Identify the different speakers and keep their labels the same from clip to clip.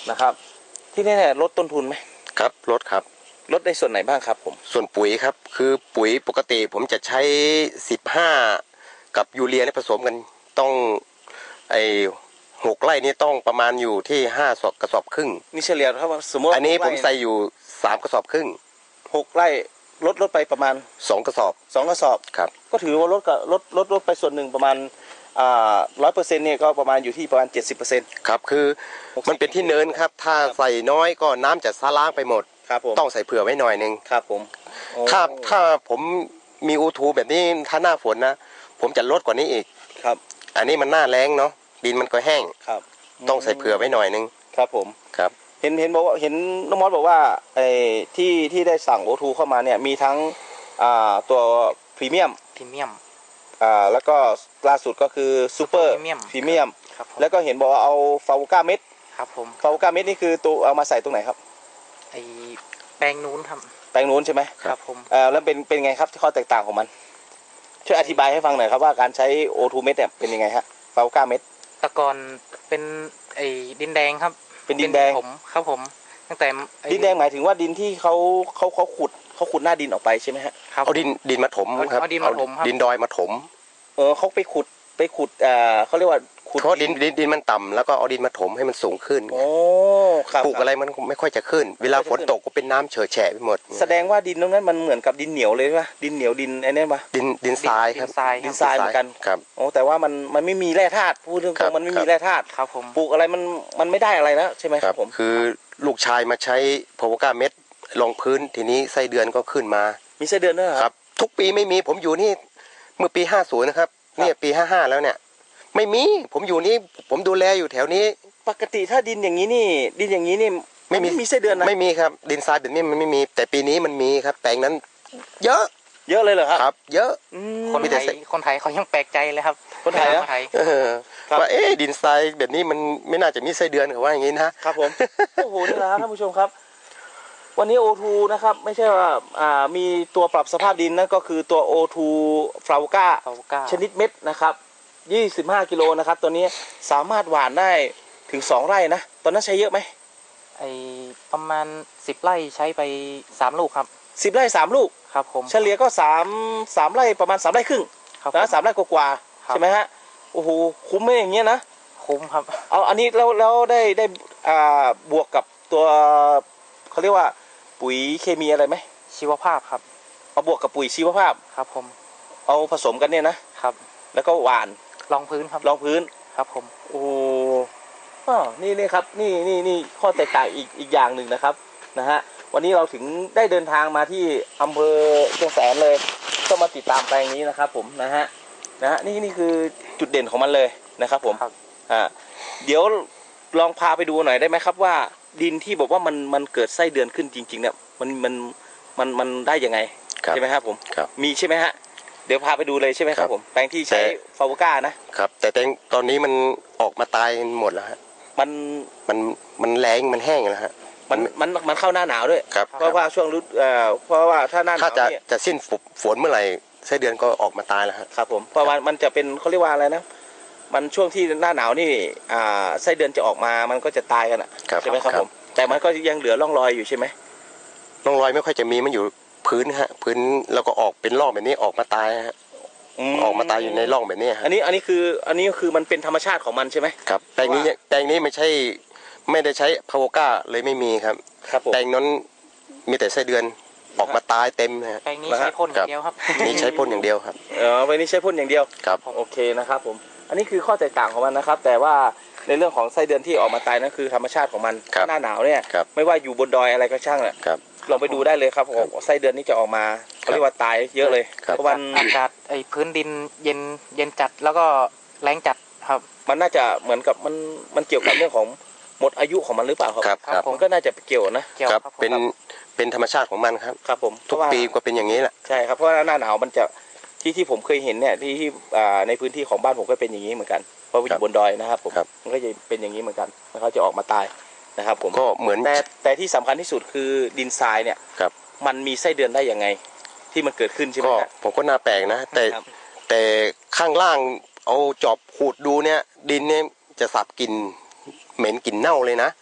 Speaker 1: นะครับที่นี่ลดต้นทุนไหม
Speaker 2: ครับลดครับ
Speaker 1: ลดในส่วนไหนบ้างครับผม
Speaker 2: ส่วนปุ๋ยครับคือปุ๋ยปกติผมจะใช้15กับยูเรียผสมกันต้อง6 ไร่นี่ต้องประมาณอยู่ที่5 กระสอบครึ่ง
Speaker 1: นี่เฉลี่ยครับสมมติ
Speaker 2: อันนี้ผมใส่อยู่3 กระสอบครึ่ง
Speaker 1: 6 ไร่ลดไปประมาณ
Speaker 2: 2 กระสอบครับ
Speaker 1: ก็ถือว่าลดไปส่วนหนึ่งประมาณ100%เนี่ยก็ประมาณอยู่ที่ประมาณ70%
Speaker 2: ครับคือมันเป็นที่เนินครับถ้าใส่น้อยก็น้ำจะซาล้างไปหมด
Speaker 1: ครับผม
Speaker 2: ต้องใส่เผื่อไว้หน่อยนึง
Speaker 1: ครับผม
Speaker 2: ถ้าผมมีอูทูแบบนี้ถ้าหน้าฝนนะผมจะลดกว่านี้อีก
Speaker 1: ครับ
Speaker 2: อันนี้มันหน้าแล้งเนาะดินมันก็แห้ง
Speaker 1: ครับ
Speaker 2: ต้องใส่เผื่อไว้หน่อยนึง
Speaker 1: ครับผม
Speaker 2: ครับ
Speaker 1: เห็นบอกว่าเห็นน้องมอสบอกว่าที่ได้สั่งโอทูเข้ามาเนี่ยมีทั้งตัวพรีเมียมแล้วก็ล่าสุดก็คือซูเปอร์พรีเมียมแล้วก็เห็นบอกว่าเอาฟาวก้าเม็ด
Speaker 3: ครับผม
Speaker 1: ฟาวก้าเม็ดนี่คือตัวเอามาใส่ตรงไหนครับ
Speaker 3: แปลงนู้นครับ
Speaker 1: แปลงนู้นใช่ไหม
Speaker 3: ครับผม
Speaker 1: แล้วเป็นไงครับข้อแตกต่างของมันช่วยอธิบายให้ฟังหน่อยครับว่าการใช้โอทูเม็ดเนี่ยเป็นยังไงฮะฟาวก้าเม็ด
Speaker 3: ตะกอนเป็นดินแดงครับ
Speaker 1: เป็นดินแดง
Speaker 3: ผมครับผมตั้งแต่
Speaker 1: ดินแดงหมายถึงว่าดินที่เขาขุดหน้าดินออกไปใช่ไหมฮะ
Speaker 2: เอาดินมาถมครับ
Speaker 3: เอาดินมาถมครับ
Speaker 2: ดินดอยมาถม
Speaker 1: เขาไปขุดเขาเรียกว่าขุด
Speaker 2: เพราะดินมันต่ำแล้วก็เอาดินมาถมให้มันสูงขึ้น
Speaker 1: โอ้ครับ
Speaker 2: ปลูกอะไรมันไม่ค่อยจะขึ้นเวลาฝนตกก็เป็นน้ำเฉอะแฉะไปหมด
Speaker 1: แสดงว่าดินตรงนั้นมันเหมือนกับดินเหนียวเลยใช่ไหมดินเหนียวดินไอ้นี่ปะ
Speaker 2: ดินทรายครับ
Speaker 1: ดินทรายเหมือนกัน
Speaker 2: ครับ
Speaker 1: โอ้แต่ว่ามันไม่มีแร่ธาตุพูดเรื่องมันไม่มีแร่ธาตุ
Speaker 3: ครับผม
Speaker 1: ปลูกอะไรมันไม่ได้อะไรแล้วใช่ไหมครับผม
Speaker 2: คือลูกชายมาใช้พาวก้าเม็ดลงพื้นทีนี้ไส้เดือนก็ขึ้นมา
Speaker 1: มีไส้เดือนด้วย
Speaker 2: ครับทุกปีไม่มีผมอยู่นี่เมื่อปี50นะครับเนี่ยปี55แล้วเนี่ยไม่มีผมอยู่นี่ผมดูแลอยู่แถวนี้
Speaker 1: ปกติถ้าดินอย่างนี้นี่ไม่มีไส้เดือนนะ
Speaker 2: ไม่มีครับดินทรายแบบนี้มันไม่มีแต่ปีนี้มันมีครับแปลงนั้นเยอะ
Speaker 1: เลยเหรอ
Speaker 2: ครับเยอะ
Speaker 3: คนไทยเขายังแปลกใจเลยครับ
Speaker 1: คนไทย
Speaker 2: ว่าดินทรายแบบนี้มันไม่น่าจะมีไส้เดือนเขาว่าอย่างนี้นะครับ
Speaker 1: ผมโอ้โหนี่แหละท่านผู้ชมครับวันนี้โอทูนะครับไม่ใช่ว่ามีตัวปรับสภาพดินนั่นก็คือตัวโอทูฟลาวก้าชนิดเม็ดนะครับ25 กิโลนะครับตัวนี้สามารถหว่านได้ถึง2 ไร่นะตอนนั้นใช้เยอะไหม
Speaker 3: ประมาณ10 ไร่ใช้ไป3 ลูกครับ
Speaker 1: 10 ไร่3 ลูก
Speaker 3: ครับผม
Speaker 1: เฉลี่ยก็3 ไร่ประมาณ3 ไร่ครึ่งนะ3 ไร่กว่าใช่ไหมฮะโอ้โหคุ้มไหมอย่างเงี้ยนะ
Speaker 3: คุ้มครับ
Speaker 1: เอาอันนี้แล้วได้บวกกับตัวเขาเรียกว่าปุ๋ยเคมีอะไรไหม
Speaker 3: ชีวภาพครับ
Speaker 1: เอาบวกกับปุ๋ยชีวภาพ
Speaker 3: ครับผม
Speaker 1: เอาผสมกันเนี่ยนะครับแล้วก็หว่าน
Speaker 3: รองพื้นครับ
Speaker 1: รองพื้น
Speaker 3: ครับผม
Speaker 1: โอ้นี่ครับนี่ข้อแตกต่างอีกอย่างหนึ่งนะครับนะฮะวันนี้เราถึงได้เดินทางมาที่อำเภอเชียงแสนเลยก็มาติดตามแปลงนี้นะครับผมนะฮะนี่คือจุดเด่นของมันเลยนะครับผมเดี๋ยวลองพาไปดูหน่อยได้ไหมครับว่าดินที่บอกว่ามันเกิดไส้เดือนขึ้นจริงๆเนี่ยมันได้ยังไงใช่ไหมครับผมมีใช่ไหมฮะเดี๋ยวพาไปดูเลยใช่ไหมครับผมแปลงที่ใช้ฟาวก้า
Speaker 2: นะครับแต่ตอนนี้มันออกมาตายหมดแล้วฮะมันแรงมันแห้งแล้วฮะ
Speaker 1: มันเข้าหน้าหนาวด้วยเพราะว่าช่วงฤดูเพราะว่าถ้าหน้าหนาว
Speaker 2: จะสิ้นฝนเมื่อไหร่ไส้เดือนก็ออกมาตายแล้ว
Speaker 1: ครับผมเพราะว่ามันจะเป็นเขาเรียกว่าอะไรนะมันช่วงที่หน้าหนาวนี่ไส้เดือนจะออกมามันก็จะตายกันใช่ไหมครับผมแต่มันก็ยังเหลือร่องรอยอยู่ใช่ไหม
Speaker 2: ร่องรอยไม่ค่อยจะมีมันอยู่พื้นฮะพื้นแล้วก็ออกเป็นร่องแบบนี้ออกมาตายฮะออกมาตายอยู่ในร่องแบบนี้
Speaker 1: อันนี้คือมันเป็นธรรมชาติของมันใช่ไหม
Speaker 2: ครับแปลงนี้ไม่ได้ใช้พาวก้าเลยไม่มีครับแปลงนั้นมีแต่ไส้เดือนออกมาตายเต็ม
Speaker 3: นะแปลงนี้ใช้พ่นอย่างเดียวครับ
Speaker 2: นี่ใช้พ่นอย่างเดียวครับ
Speaker 1: แปลงนี้ใช้พ่นอย่างเดียว
Speaker 2: ครับ
Speaker 1: โอเคนะครับผมอันนี้คือข้อแตกต่างของมันนะครับแต่ว่าในเรื่องของไส้เดือนที่ออกมาตายนั่นคือธรรมชาติของมันหน้าหนาวเนี่ยไม่ว่าอยู่บนดอยอะไรก็ช่างแหละลองไปดูได้เลยครับไส้เดือนนี้จะออกมาเขาเรียกว่าตายเยอะเลยเพราะวัน
Speaker 3: อากาศพื้นดินเย็นจัดแล้วก็แรงจัดครับ
Speaker 1: มันน่าจะเหมือนกับมันเกี่ยวกับเรื่องของหมดอายุของมันหรือเปล่า
Speaker 2: ครับ
Speaker 1: ผมก็น่าจะเกี่ยว
Speaker 2: นะครับเป็นธรรมชาติของมันครับ
Speaker 1: ผม
Speaker 2: ทุกปีก็เป็นอย่างนี้แหละ
Speaker 1: ใช่ครับเพราะหน้าหนาวมันจะที่ผมเคยเห็นเนี่ยที่ในพื้นที่ของบ้านผมก็เป็นอย่างนี้เหมือนกันเพราะอยู่บนดอยนะครับผมมันก็จะเป็นอย่างนี้เหมือนกันเขาจะออกมาตายนะครับผม
Speaker 2: ก็เหมือน
Speaker 1: แต่ที่สำคัญที่สุดคือดินทรายเนี่ยมันมีไส้เดือนได้ยังไงที่มันเกิดขึ้นใช่ไหมครับ
Speaker 2: ผมก็น่าแปลกนะแต่ข้างล่างเอาจอบขูดดูเนี่ยดินเนี่ยจะสับกลิ่นเหม็นกลิ่นเน่าเลยนะ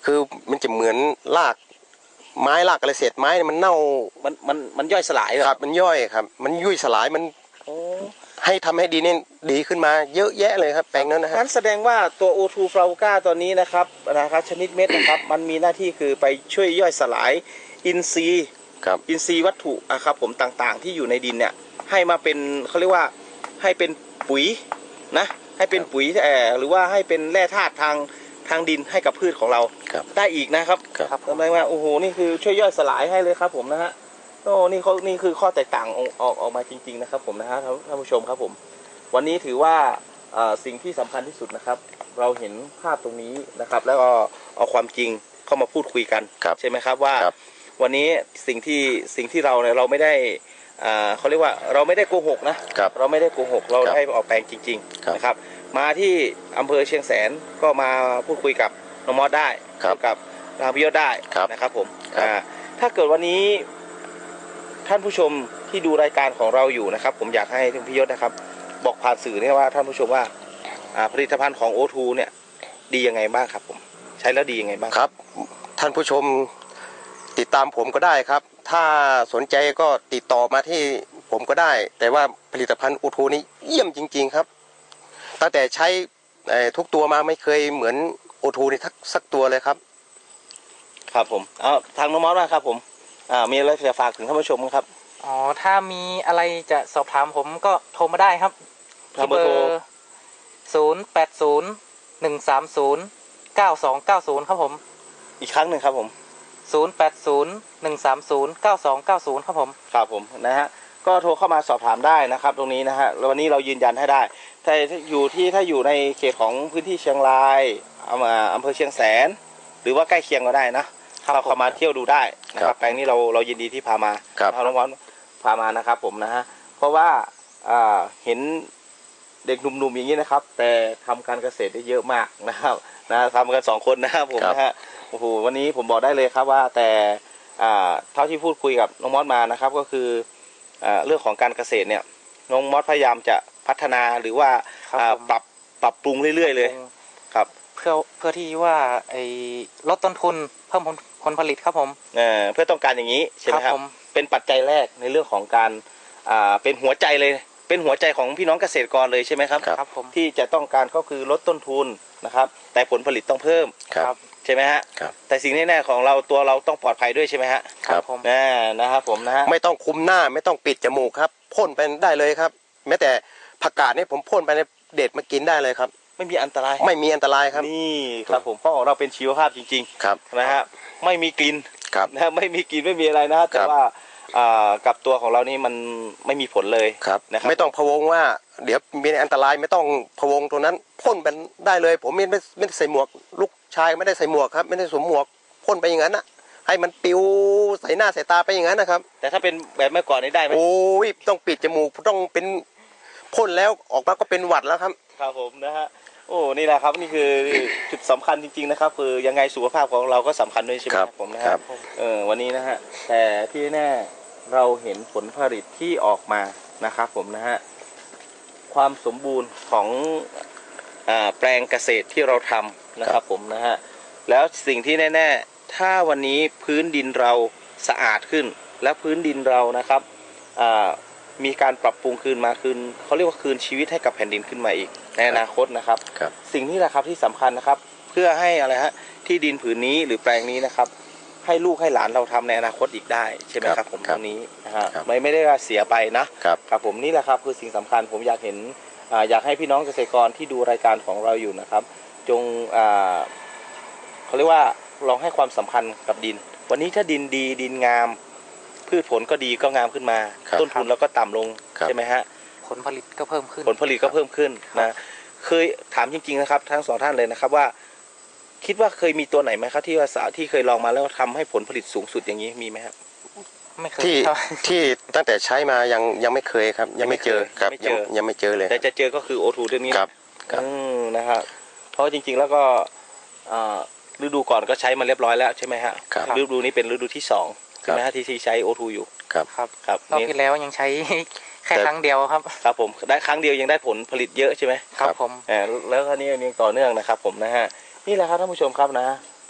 Speaker 2: คือมันจะเหมือนรากไม้รากอะไรเศษไม้เนี่ยมันเน่า
Speaker 1: มันย่อยสลายเหรอ
Speaker 2: ครับมันย่อยครับมันยุ่ยสลายมัน
Speaker 1: โอ้
Speaker 2: ให้ทำให้ดีนี่ดีขึ้นมาเยอะแยะเลยครับแปลงนั้นนะฮะ
Speaker 1: งั้นแสดงว่าตัว O2 ฟลาวูก้าตัวนี้นะครับชนิดเม็ดนะครับ มันมีหน้าที่คือไปช่วยย่อยสลายอินทรีย์
Speaker 2: ครับ
Speaker 1: อินทรีย์วัตถุครับผมต่างๆ ที่อยู่ในดินเนี่ยให้มาเป็นเขาเรียกว่าให้เป็นปุ๋ยนะให้เป็นปุ๋ยหรือว่าให้เป็นแร่ธาตุทางดินให้กับพืชของเรา
Speaker 2: ครับ
Speaker 1: ได้อีกนะครับ
Speaker 2: ครับ
Speaker 1: แสดงว่าโอ้โหนี่คือช่วยย่อยสลายให้เลยครับผมนะฮะโอ้นี่คือข้อแตกต่างออกมาจริงๆนะครับผมนะฮะท่านผู้ชมครับผมวันนี้ถือว่าสิ่งที่สำคัญที่สุดนะครับ เราเห็นภาพตรงนี้นะครับ แล้วก็เอาความจริงเข้ามาพูดคุยกัน
Speaker 2: ครับ
Speaker 1: ใช่ไหมครับว่า
Speaker 2: ครับ
Speaker 1: วันนี้สิ่งที่เราเนี่ยเราไม่ได้เขาเรียกว่าเราไม่ได้โกหกนะครับ เราไม่ได้โกหกเรา
Speaker 2: ครับ
Speaker 1: ได้ออกแปลงจริง
Speaker 2: ครับ
Speaker 1: ๆนะครับมาที่อำเภอเชียงแสนก็มาพูดคุยกับน้องมอสได้
Speaker 2: ครับ
Speaker 1: กับทางพิยศได้
Speaker 2: ครับ
Speaker 1: นะครับผม
Speaker 2: ครับ
Speaker 1: ถ้าเกิดวันนี้ท่านผู้ชมที่ดูรายการของเราอยู่นะครับ ผมอยากให้ท่านพิยศนะครับ บอกผ่านสื่อเนี่ยว่าท่านผู้ชมว่าผลิตภัณฑ์ของ O2 เนี่ยดียังไงบ้างครับผมใช้แล้วดียังไงบ้าง
Speaker 2: ครับท่านผู้ชมติดตามผมก็ได้ครับ ถ้าสนใจก็ติดต่อมาที่ผมก็ได้ แต่ว่าผลิตภัณฑ์อูทูนี้เยี่ยมจริงๆครับตั้งแต่ใช้ทุกตัวมาไม่เคยเหมือนอูทูนี่สักตัวเลยครับ
Speaker 1: ครับผมเอาทางน้องมอสนะครับผมมีอะไรจะฝากถึงท่านผู้ชมไหมครับ
Speaker 3: อ๋อถ้ามีอะไรจะสอบถามผมก็โทรมาได้ครับ
Speaker 1: ทางเบอร์โทร
Speaker 3: 080-130-9290ครับผม
Speaker 1: อีกครั้งหนึ่งครับผม
Speaker 3: 080-130-9290ครับผม
Speaker 1: ครับผมนะฮะก็โทรเข้ามาสอบถามได้นะครับ ตรงนี้นะฮะแล้ววันนี้เรายืนยันให้ได้ถ้าอยู่ในเขตของพื้นที่เชียงรายอำเภอเชียงแสน หรือว่าใกล้เคียงก็ได้นะเข้ามาเที่ยวดูได้นะครับแปลงนี้เรายินดีที่พามา
Speaker 2: ครับ
Speaker 1: น้องมอสพามานะครับผมนะฮะเพราะว่าเห็นเด็กหนุ่มๆอย่างนี้นะครับ แต่ทำการเกษตรได้เยอะมากนะครับทำกัน2 คนนะครับผมนะฮะโอ้โหวันนี้ผมบอกได้เลยครับว่าแต่เท่าที่พูดคุยกับน้องมอสมานะครับก็คือเรื่องของการเกษตรเนี่ยน้องมอสพยายามจะพัฒนาหรือว่า
Speaker 3: ครับผม
Speaker 1: ปรับปรุงเรื่อยๆเลยครับ
Speaker 3: เพื่อที่ว่าลดต้นทุนเพิ่มผลผลิตครับผม
Speaker 1: เพื่อต้องการอย่างนี้ใช่ไหมครับ
Speaker 3: ผม
Speaker 1: เป็นปัจจัยแรกในเรื่องของการเป็นหัวใจเลยเป็นหัวใจของพี่น้องเกษตรกรเลยใช่ไหมครับ
Speaker 3: ครับผม
Speaker 1: ที่จะต้องการก็คือลดต้นทุนนะครับ แต่ผลผลิตต้องเพิ่ม
Speaker 2: ครับ
Speaker 1: ใช่ไหมฮะ
Speaker 2: ครับ
Speaker 1: แต่สิ่งแน่ๆของเราตัวเราต้องปลอดภัยด้วยใช่ไหมฮะ
Speaker 2: ครับ
Speaker 3: ผม
Speaker 1: นะครับผมนะฮะ
Speaker 2: ไม่ต้องคุมหน้าไม่ต้องปิดจมูกครับพ่นไปได้เลยครับแม้แต่ผักกาดนี่ผมพ่นไปในเด็ดมากินได้เลยครับ
Speaker 1: ไม่มีอันตราย
Speaker 2: ไม่มีอันตรายครับ
Speaker 1: นี่ครับผมเพราะของเราเป็นชีวภาพจริง
Speaker 2: ครับ
Speaker 1: ๆนะฮะไม่มีกลิ่น
Speaker 2: ครับ
Speaker 1: นะฮะไม่มีกลิ่นไม่มีอะไรนะแต่
Speaker 2: ครับ
Speaker 1: ว่ากับตัวของเรานี่มันไม่มีผลเลย
Speaker 2: ครับ
Speaker 1: นะครับ
Speaker 2: ไม่ต้องพะวงว่า เดี๋ยวมีอันตรายไม่ต้องพะวงตัวนั้นพ่นไปได้เลย ผมไม่ได้ใส่หมวกลูกชายไม่ได้ใส่หมวกครับไม่ได้สวมหมวกพ่นไปอย่างนั้นนะให้มันปิวใส่หน้าใส่ตาไปอย่างนั้นนะครับ
Speaker 1: แต่ถ้าเป็นแบบเมื่อก่อนนี่ได้ไหม
Speaker 2: โอ้ยต้องปิดจมูกต้องเป็นพ่นแล้วออกมาก็เป็นหวัดแล้วครับ
Speaker 1: ครับผมนะฮะโอ้นี่แหละครับนี่คือจุดสำคัญจริงๆนะครับคือยังไงสุขภาพของเราก็สำคัญด้วยใช่ไหม
Speaker 2: ครับ
Speaker 1: ผมนะ
Speaker 2: ครั
Speaker 1: ฮะ
Speaker 2: บ
Speaker 1: วันนี้นะฮะแต่ที่แน่เราเห็นผลผลิตที่ออกมานะครับผมนะฮะความสมบูรณ์ของแปลงเกษตรที่เราทำนะครับผมนะฮะแล้วสิ่งที่แน่ๆถ้าวันนี้พื้นดินเราสะอาดขึ้น และพื้นดินเรานะครับมีการปรับปรุงคืนเขาเรียกว่าคืนชีวิตให้กับแผ่นดินขึ้นมาอีกในอนาคตนะครับ
Speaker 2: ครับ
Speaker 1: สิ่งนี้แหละครับที่สำคัญนะครับเพื่อให้อะไรฮะที่ดินผืนนี้หรือแปลงนี้นะครับให้ลูกให้หลานเราทำในอนาคตอีกได้ใช่ไหมครับผมตรงนี้นะฮะไม่ได้ว่าเสียไปนะครับ ครับผมนี่แหละครับคือสิ่งสำคัญผมอยากเห็นอยากให้พี่น้องเกษตรกรที่ดูรายการของเราอยู่นะครับจงเขาเรียกว่าลองให้ความสำคัญกับดิน วันนี้ถ้าดินดีดินงามพืชผลก็ดีก็งามขึ้นมา
Speaker 2: ครับ
Speaker 1: ต้นทุนเราก็ต่ำลง
Speaker 2: ครับ
Speaker 1: ใช่ไหมฮะ
Speaker 3: ผลผลิตก็เพิ่มขึ้น
Speaker 1: ผลผลิตก็เพิ่มขึ้นนะเคยถามจริงๆนะครับทั้งสองท่านเลยนะครับว่าคิดว่าเคยมีตัวไหนไหมครับที่ว่าที่เคยลองมาแล้วทำให้ผลผลิตสูงสุดอย่างนี้มีไหมครับ
Speaker 3: ไม่เคย
Speaker 2: ที่
Speaker 3: ครับ
Speaker 2: ที่ตั้งแต่ใช้มายังไม่เคยครับ ยังไม่เจอครับ
Speaker 1: ไม่เจอ
Speaker 2: ยังไม่เจอเลย
Speaker 1: แต่จะเจอก็คือ O2 เรื่องนี้
Speaker 2: ครับครับ
Speaker 1: นะครับเพราะจริงๆแล้วก็ฤดูก่อนก็ใช้มาเรียบร้อยแล้วใช่ไหมฮะ
Speaker 2: ครับ
Speaker 1: ฤดูนี้เป็นฤดูที่2ใช่ไหมฮะที่ใช้ O2 อยู่
Speaker 2: ครับ
Speaker 3: ครับ
Speaker 1: ครับ
Speaker 3: รอบ
Speaker 1: นี่
Speaker 3: ที่แล้วยังใช้ แค่
Speaker 2: แต่
Speaker 3: ครั้งเดียวครับ
Speaker 1: ครับผมได้ครั้งเดียวยังได้ผลผลิตเยอะใช่ไหม
Speaker 3: ครับผม
Speaker 1: แล้วคราวนี้ยังต่อเนื่องนะครับผมนะฮะนี่แหละครับท่านผู้ชมครับนะผ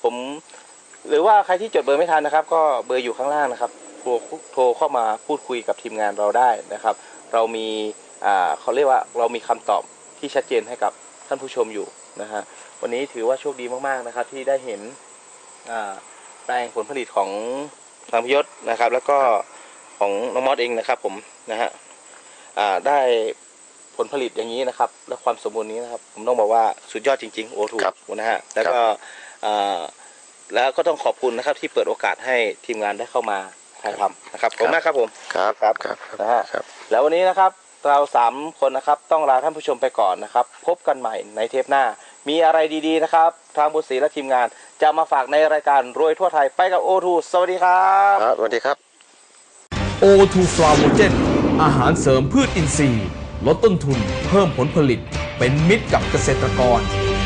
Speaker 1: ผมหรือว่าใครที่จดเบอร์ไม่ทันนะครับ ก็เบอร์อยู่ข้างล่างนะครับโทรเข้ามาพูดคุยกับทีมงานเราได้นะครับ เรามีเขาเรียกว่าเรามีคำตอบที่ชัดเจนให้กับท่านผู้ชมอยู่นะฮะวันนี้ถือว่าโชคดีมากๆนะครับ ที่ได้เห็นแปลงผลผลิตของทางพิยศนะครับ แล้วก็ของน้องมอสเองนะครับผมนะฮะได้ผลผลิตอย่างนี้นะครับและความสมบูรณ์นี้นะครับผมต้องบอกว่าสุดยอดจริงๆโอทูนะฮะแล้วก็แล้วก็ต้องขอบคุณนะครับที่เปิดโอกาสให้ทีมงานได้เข้ามาถ่ายทำนะครับขอบคุณมากครับผม
Speaker 2: ครับ
Speaker 1: นะฮะแล้ววันนี้นะครับเรา3คนนะครับต้องลาท่านผู้ชมไปก่อนนะครับพบกันใหม่ในเทปหน้ามีอะไรดีๆนะครับทางบุญศรีและทีมงานจะมาฝากในรายการรวยทั่วไทยไปกับโอทูสวัสดีครับ
Speaker 2: สวัสดีครับ
Speaker 4: O2 ฟลาโวเจนอาหารเสริมพืชอินทรีย์ลดต้นทุนเพิ่มผลผลิตเป็นมิตรกับเกษตรกร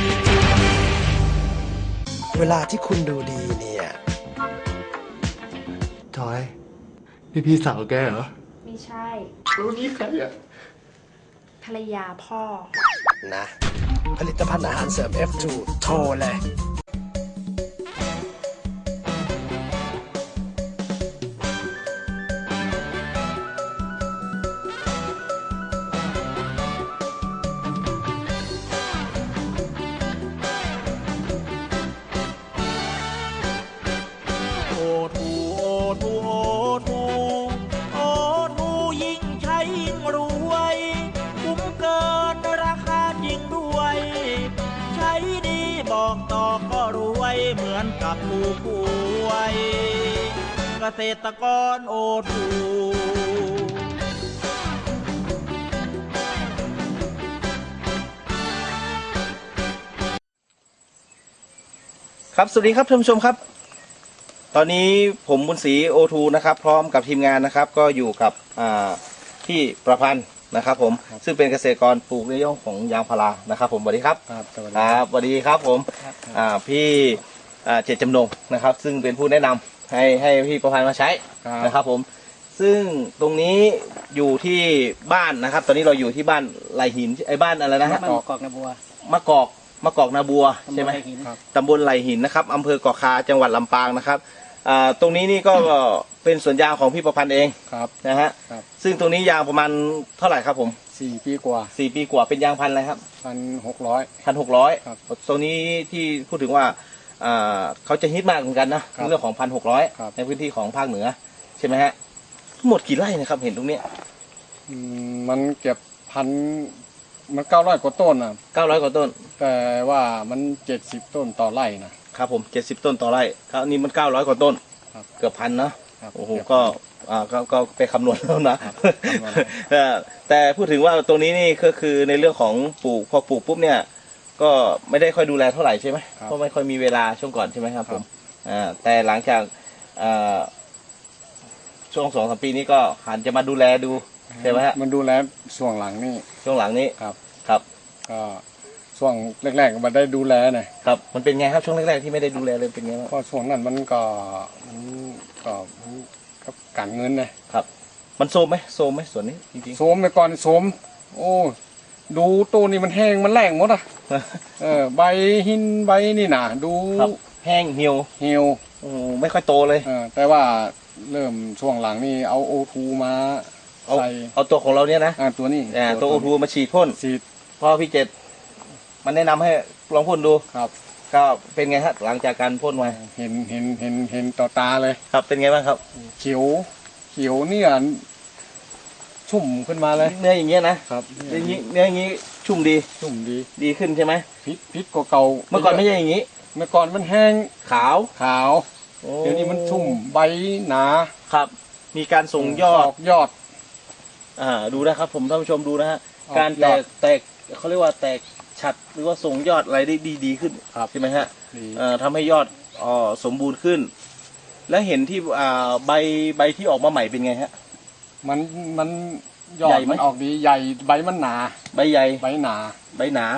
Speaker 5: เวลาที่คุณดูดีเนี่ย
Speaker 6: จอยนี่พี่สาวแกเหรอ
Speaker 7: ไม่ใช่
Speaker 6: รู้นี่ใครอ่ะ
Speaker 7: ภรรยาพ่อ
Speaker 5: นะ ผลิตภัณฑ์อาหารเสริม F2 โทรเลย
Speaker 8: โอทูโอทูโอทูโอทูยิ่งใช้ยิ่งรวยคุ้มเกินราคาจริงด้วย ใช้ดีบอกต่อก็รวยเหมือนกับผู้ป่วยเกษตรกรโอทู
Speaker 1: ครับสวัสดีครับท่านผู้ชมครับตอนนี้ผมบุญศรีโอทูนะครับพร้อมกับทีมงานนะครับก็อยู่กับพี่ประพันธ์นะครับผมซึ่งเป็นเกษตรกรปลูกในเรื่องของยางพารานะครับผมสวัสดีครับครับสวัสดีครับผมพี่เจตจำนงนะครับซึ่งเป็นผู้แนะนำให้พี่ประพันธ์มาใช้นะครับผมซึ่งตรงนี้อยู่ที่บ้านนะครับตอนนี้เราอยู่ที่บ้านไหลหินไอ้บ้านอะไรนะฮะมะกอกนาบัวมะกอกนาบัวใช่ไหมตำบลไหลหินนะครับอำเภอเกาะคาจังหวัดลำปางนะครับตรงนี้นี่ก็เป็นสวนยางของพี่ประพันธ์เองนะฮะซึ่งตรงนี้ยางประมาณเท่าไหร่ครับผม
Speaker 6: 4 ปีกว่า
Speaker 1: 4 ปีกว่าเป็นยางพันธุ์อะไรครับ1,600
Speaker 6: ครับ
Speaker 1: ตรงนี้ที่พูดถึงว่าเขาจะฮิตมากเหมือนกันนะเรื่องของ1,600ในพื้นที่ของภาคเหนือใช่ไหมฮะทั้งหมดกี่ไร่นะครับเห็นตรงนี้
Speaker 6: มันเก็บมัน900 กว่าต้นนะ
Speaker 1: 900 กว่าต้น
Speaker 6: แต่ว่ามัน70 ต้นต่อไร่นะครับ
Speaker 1: ผม70 ต้นต่อไร่ครับนี่มัน900 กว่าต้นเกือบ1,000นะโอ้โหก็ไปคำนวณแล้วนะแต่พูดถึงว่าตรงนี้นี่ก็คือในเรื่องของปลูกพอปลูกปุ๊บเนี่ยก็ไม่ได้ค่อยดูแลเท่าไหร่ใช่ไหมเพราะไม่ค่อยมีเวลาช่วงก่อนใช่ไหมครับผมแต่หลังจากช่วง2-3 ปีนี้ก็หันจะมาดูแลดูใช่ไหมฮะ
Speaker 6: มันดูแลช่วงหลังนี่
Speaker 1: ครับ
Speaker 6: ก็ช่วงแรกๆมันได้ดูแล
Speaker 1: นะครับมันเป็นไงครับช่วงแรกๆที่ไม่ได้ดูแลเลยเป็นไงบ้าง
Speaker 6: ก็ช่วงนั้นมันก็การเงิน
Speaker 1: ครับมันโซมไหมส่วนนี้จริงๆ
Speaker 6: โซมไปก่อนโซมโอ้ดูตัวนี้มันแห้งมันแรงหมดใบหินใบนี่นะดู
Speaker 1: แห้งเหี่ยวไม่ค่อยโตเลย
Speaker 6: แต่ว่าเริ่มช่วงหลังนี่เอาโอทูมาใส่
Speaker 1: เอาตัวของเราเนี่ยนะ
Speaker 6: ตัวนี้
Speaker 1: ตัวโอทูมาฉีดพ่นพอพี่เจตมันแนะนำให้ลองพ่นดู
Speaker 6: ครับ
Speaker 1: ก็เป็นไงฮะหลังจากการพ่นมา
Speaker 6: เห็นต่อตาเลย
Speaker 1: ครับเป็นไงบ้างครับ
Speaker 6: เขียวเนี่ยชุ่มขึ้นมาเลย
Speaker 1: เนื้ออย่างเงี้ยนะครับเนื้ออย่างงี้ชุ่มดีขึ้นใช่ไหม
Speaker 6: พิษกว่าเก่า
Speaker 1: เมื่อก่อนไม่ใช่อย่างงี้
Speaker 6: เมื่อก่อนมันแห้ง
Speaker 1: ขาว
Speaker 6: เดี๋ยวนี้มันชุ่มใบหนา
Speaker 1: ครับมีการส่งยอดดูนะครับผมท่านผู้ชมดูนะฮะการแตกเขาเรียกว่าแตกฉัดหรือว่าส่งยอดอะไรได้ดีขึ้นใช่ไหมฮะทำให้ยอดสมบูรณ์ขึ้น และเห็นที่ใบที่ออกมาใหม่เป็นไงฮะ
Speaker 6: มันยอดมันออกดีใหญ่ใบมันหนา
Speaker 1: ใบใหญ่
Speaker 6: ใบหนา